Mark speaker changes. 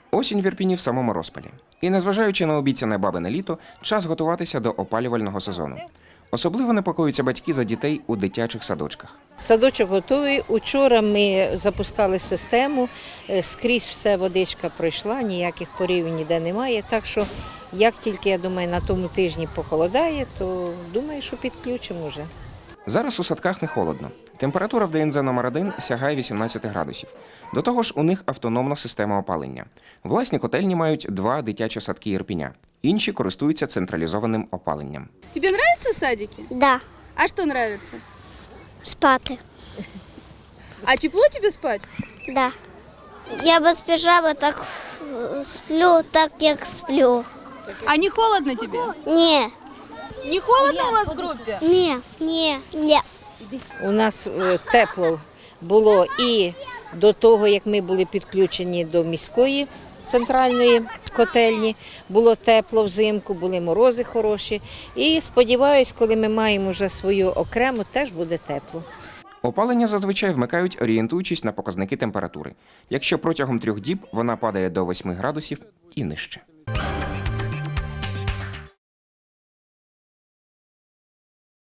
Speaker 1: Осінь в Ірпіні в самому розпалі. І незважаючи на обіцяне бабине літо, час готуватися до опалювального сезону. Особливо непокоюються батьки за дітей у дитячих садочках.
Speaker 2: Садочок готовий. Учора ми запускали систему, скрізь все водичка пройшла, ніяких порів ніде немає. Так що, як тільки, я думаю, на тому тижні похолодає, то думаю, що підключимо вже.
Speaker 1: Зараз у садках не холодно. Температура в ДНЗ номер 1 сягає 18 градусів. До того ж, у них автономна система опалення. Власні котельні мають 2 дитячі садки Ірпіня. Інші користуються централізованим опаленням.
Speaker 3: Тебе нравится в садике?
Speaker 4: Да,
Speaker 3: А что нравится?
Speaker 4: спати.
Speaker 3: А тепло тебе спать?
Speaker 4: Да. Я без піжами так сплю, так як сплю.
Speaker 3: А не холодно тебе?
Speaker 4: Ні,
Speaker 3: Не холодно у вас в группе?
Speaker 4: ні.
Speaker 2: У нас тепло було і до того, як ми були підключені до міської центральної котельні. Було тепло взимку, були морози хороші. І сподіваюсь, коли ми маємо вже свою окрему, теж буде тепло.
Speaker 1: Опалення зазвичай вмикають, орієнтуючись на показники температури. Якщо протягом 3 діб вона падає до 8 градусів і нижче.